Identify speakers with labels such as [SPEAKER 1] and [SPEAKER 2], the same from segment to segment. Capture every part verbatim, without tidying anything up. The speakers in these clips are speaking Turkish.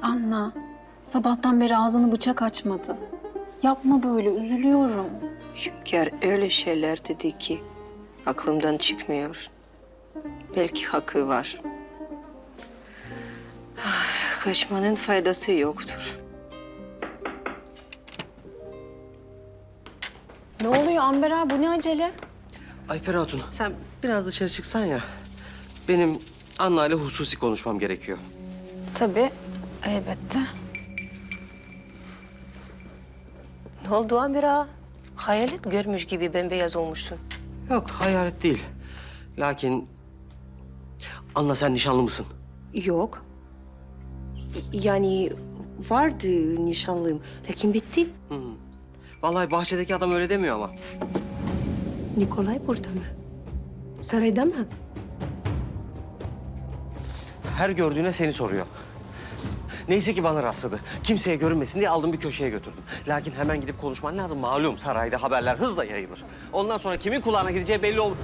[SPEAKER 1] Anna, sabahtan beri ağzını bıçak açmadı. Yapma böyle, üzülüyorum.
[SPEAKER 2] Hünkâr öyle şeyler dedi ki aklımdan çıkmıyor. Belki hakkı var. Ah, kaçmanın faydası yoktur.
[SPEAKER 1] Ne oluyor Amber abi, bu ne acele?
[SPEAKER 3] Ayper Hatun, sen biraz dışarı çıksan ya. Benim Anna ile hususi konuşmam gerekiyor.
[SPEAKER 1] Tabii, elbette.
[SPEAKER 2] Ne oldu Amir ağa? Hayalet görmüş gibi bembeyaz olmuşsun.
[SPEAKER 3] Yok, hayalet değil. Lakin... Anna, sen nişanlı mısın?
[SPEAKER 2] Yok. Yani vardı nişanlım. Lakin bitti.
[SPEAKER 3] Hı. Vallahi bahçedeki adam öyle demiyor ama.
[SPEAKER 2] Nikolay burada mı? Sarayda mı?
[SPEAKER 3] Her gördüğüne seni soruyor. Neyse ki bana rastladı. Kimseye görünmesin diye aldım bir köşeye götürdüm. Lakin hemen gidip konuşman lazım. Malum sarayda haberler hızla yayılır. Ondan sonra kimin kulağına gideceği belli olur.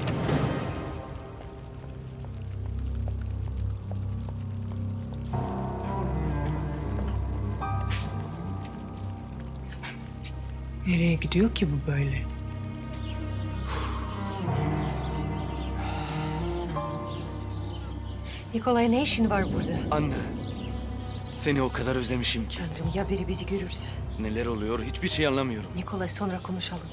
[SPEAKER 4] Nereye gidiyor ki bu böyle?
[SPEAKER 2] Nikolay ne işin var burada?
[SPEAKER 5] Anne, seni o kadar özlemişim ki.
[SPEAKER 2] Tanrım ya biri bizi görürse?
[SPEAKER 5] Neler oluyor hiçbir şey anlamıyorum.
[SPEAKER 2] Nikolay sonra konuşalım.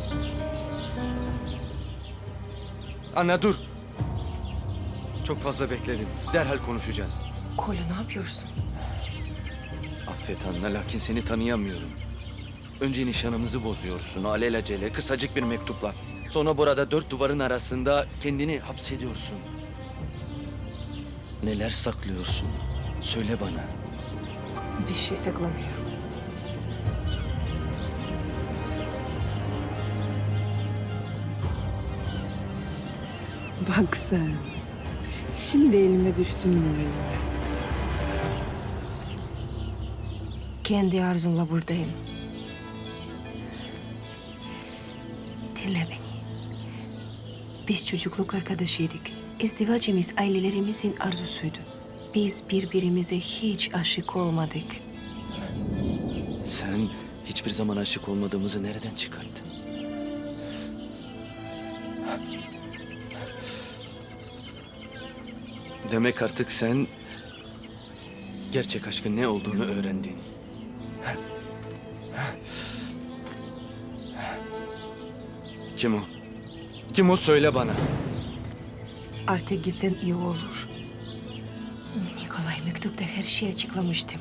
[SPEAKER 5] Anne dur. Çok fazla bekledim. Derhal konuşacağız.
[SPEAKER 2] Kolya ne yapıyorsun?
[SPEAKER 5] Affet anne, lakin seni tanıyamıyorum. Önce nişanımızı bozuyorsun alelacele kısacık bir mektupla. Sonra burada dört duvarın arasında kendini hapsediyorsun. Neler saklıyorsun? Söyle bana.
[SPEAKER 2] Bir şey saklamıyor.
[SPEAKER 4] Bak sen. Şimdi elime düştün mü elime?
[SPEAKER 2] Kendi arzumla buradayım. Dinle beni. Biz çocukluk arkadaşıydık. İzdivacımız ailelerimizin arzusuydu. Biz birbirimize hiç aşık olmadık.
[SPEAKER 5] Sen hiçbir zaman aşık olmadığımızı nereden çıkarttın? Demek artık sen gerçek aşkın ne olduğunu öğrendin. Kim o? Kim o söyle bana.
[SPEAKER 2] Artık gitsen iyi olur. Nikolay mektupta her şeyi açıklamıştım.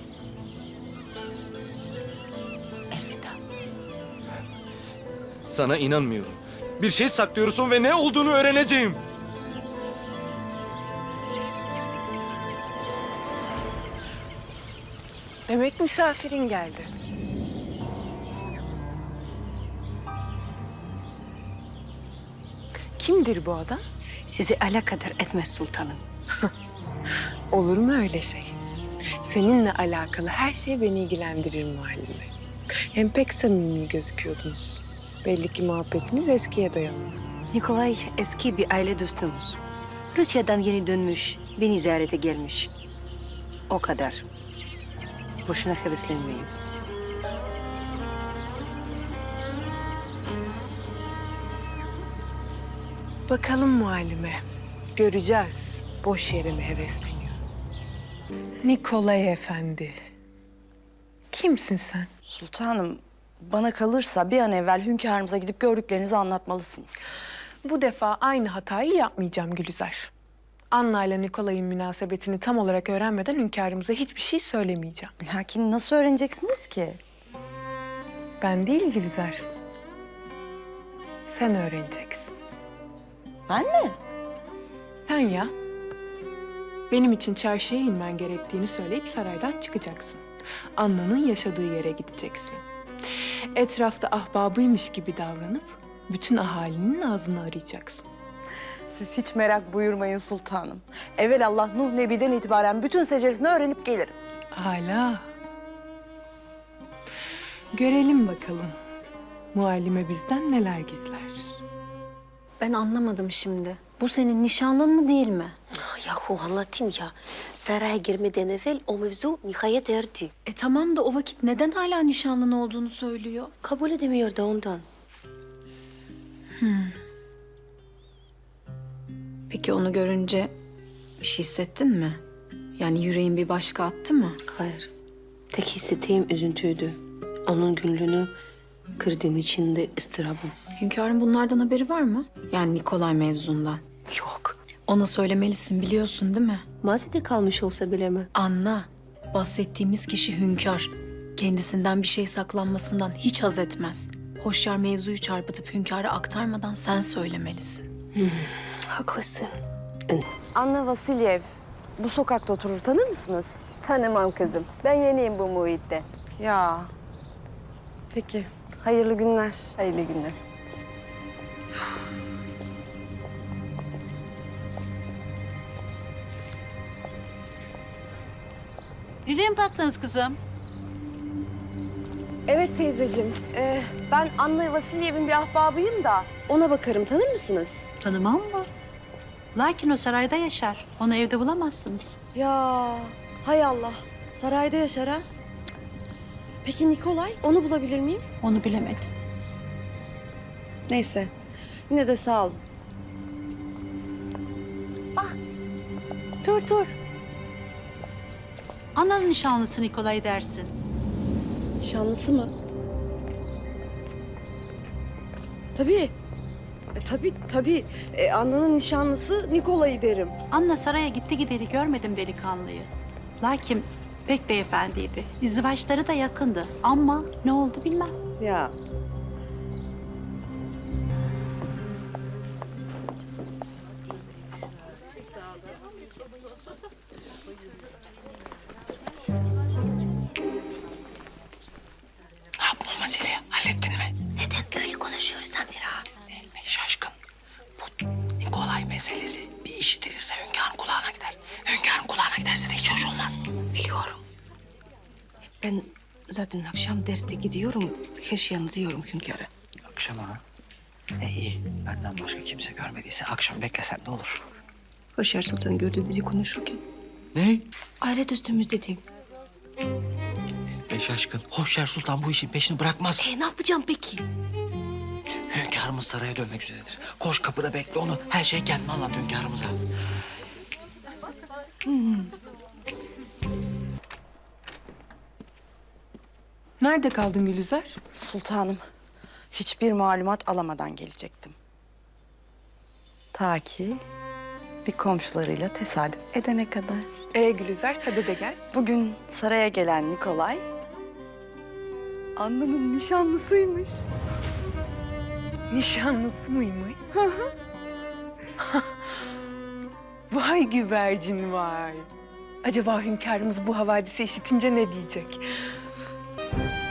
[SPEAKER 2] Elveda.
[SPEAKER 5] Sana inanmıyorum. Bir şey saklıyorsun ve ne olduğunu öğreneceğim.
[SPEAKER 4] Demek misafirin geldi. Kimdir bu adam?
[SPEAKER 2] Sizi alakadar etmez sultanım.
[SPEAKER 4] Olur mu öyle şey? Seninle alakalı her şey beni ilgilendirir muhallime. Hem pek samimi gözüküyordunuz. Belli ki muhabbetiniz eskiye dayanıyor.
[SPEAKER 2] Nikolay eski bir aile dostumuz. Rusya'dan yeni dönmüş, beni ziyarete gelmiş. O kadar. Boşuna heveslenmeyin.
[SPEAKER 4] Bakalım muhallime. Göreceğiz. Boş yere mi hevesleniyor? Nikolay Efendi. Kimsin sen?
[SPEAKER 6] Sultanım, bana kalırsa bir an evvel hünkârımıza gidip gördüklerinizi anlatmalısınız.
[SPEAKER 4] Bu defa aynı hatayı yapmayacağım Gülizar. Anna ile Nikolay'ın münasebetini tam olarak öğrenmeden hünkârımıza hiçbir şey söylemeyeceğim.
[SPEAKER 6] Lakin nasıl öğreneceksiniz ki?
[SPEAKER 4] Ben değil Gülizar. Sen öğreneceksin.
[SPEAKER 6] Ben mi?
[SPEAKER 4] Sen ya. Benim için çarşıya inmen gerektiğini söyleyip saraydan çıkacaksın. Anna'nın yaşadığı yere gideceksin. Etrafta ahbabıymış gibi davranıp bütün ahalinin ağzını arayacaksın.
[SPEAKER 6] Siz hiç merak buyurmayın sultanım. Evelallah Nuh Nebi'den itibaren bütün seceresini öğrenip gelirim.
[SPEAKER 4] Hala. Görelim bakalım. Muallime bizden neler gizler.
[SPEAKER 1] Ben anlamadım şimdi. Bu senin nişanlın mı değil mi?
[SPEAKER 2] Yahu anlatayım ya. Saraya girmeden evvel o mevzu nihayet erdi.
[SPEAKER 1] E tamam da o vakit neden hala nişanlın olduğunu söylüyor?
[SPEAKER 2] Kabul edemiyor da ondan.
[SPEAKER 1] Peki onu görünce bir şey hissettin mi? Yani yüreğin bir başka attı mı?
[SPEAKER 2] Hayır. Tek hissettiğim üzüntüydü. Onun gönlünü kırdığım için de ıstırabım.
[SPEAKER 1] Hünkârın bunlardan haberi var mı? Yani Nikolay mevzundan.
[SPEAKER 2] Yok.
[SPEAKER 1] Ona söylemelisin, biliyorsun değil mi?
[SPEAKER 2] Mazide kalmış olsa bile mi?
[SPEAKER 1] Anla, bahsettiğimiz kişi hünkâr. Kendisinden bir şey saklanmasından hiç haz etmez. Hoşyar mevzuyu çarpıtıp hünkâra aktarmadan sen söylemelisin.
[SPEAKER 2] Haklısın.
[SPEAKER 6] Anna Vasilyev bu sokakta oturur, tanır mısınız?
[SPEAKER 7] Tanımam kızım. Ben yeniyim bu muhitte.
[SPEAKER 6] Ya. Peki. Hayırlı günler.
[SPEAKER 7] Hayırlı günler.
[SPEAKER 8] Nereye mi baktınız kızım?
[SPEAKER 6] Evet teyzeciğim. Ee, ben Anna Vasilyev'in bir ahbabıyım da ona bakarım. Tanır mısınız?
[SPEAKER 8] Tanımam mı? Lakin o sarayda yaşar. Onu evde bulamazsınız.
[SPEAKER 6] Ya hay Allah. Sarayda yaşar ha. Peki Nikolay? Onu bulabilir miyim?
[SPEAKER 8] Onu bilemedim.
[SPEAKER 6] Neyse. Yine de sağ olun.
[SPEAKER 8] Dur dur. Ananın nişanlısı Nikolay dersin.
[SPEAKER 6] Nişanlısı mı? Tabii. E, tabii tabii. E, Anna'nın nişanlısı Nikolay'ı derim.
[SPEAKER 8] Anna saraya gitti gideri görmedim delikanlıyı. Lakin pek beyefendiydi. İzdivaçları da yakındı. Ama ne oldu bilmem.
[SPEAKER 6] Ya.
[SPEAKER 9] Ne yaptın o meseleyi? Hallettin mi?
[SPEAKER 2] Neden öyle konuşuyoruz Amira?
[SPEAKER 9] Elme şaşkın. Bu Nikolay meselesi bir işitilirse hünkârın kulağına gider. Hünkârın kulağına giderse de hiç hoş olmaz.
[SPEAKER 2] Biliyorum. Ben zaten akşam derste gidiyorum. Her şeyi anlatıyorum hünkâra.
[SPEAKER 9] Akşama ha? E iyi. Benden başka kimse görmediyse akşam beklesen ne olur?
[SPEAKER 2] Hoşyar Sultan gördü bizi konuşurken.
[SPEAKER 5] Ne?
[SPEAKER 2] Aile dostumuz dedi.
[SPEAKER 9] E şaşkın. Hoşyar Sultan bu işin peşini bırakmaz.
[SPEAKER 2] E ne yapacağım peki?
[SPEAKER 9] Hünkârımız saraya dönmek üzeredir. Koş kapıda bekle onu. Her şeyi kendine anlat hünkârımıza.
[SPEAKER 4] Nerede kaldın Gülizar?
[SPEAKER 6] Sultanım, hiçbir malumat alamadan gelecektim. Ta ki bir komşularıyla tesadüf edene kadar.
[SPEAKER 4] Ee Gülizar, sade de gel.
[SPEAKER 6] Bugün saraya gelen Nikolay, Anna'nın nişanlısıymış.
[SPEAKER 4] Nişanlısı mıymış? Vay güvercin vay. Acaba hünkârımız bu havadisi işitince ne diyecek?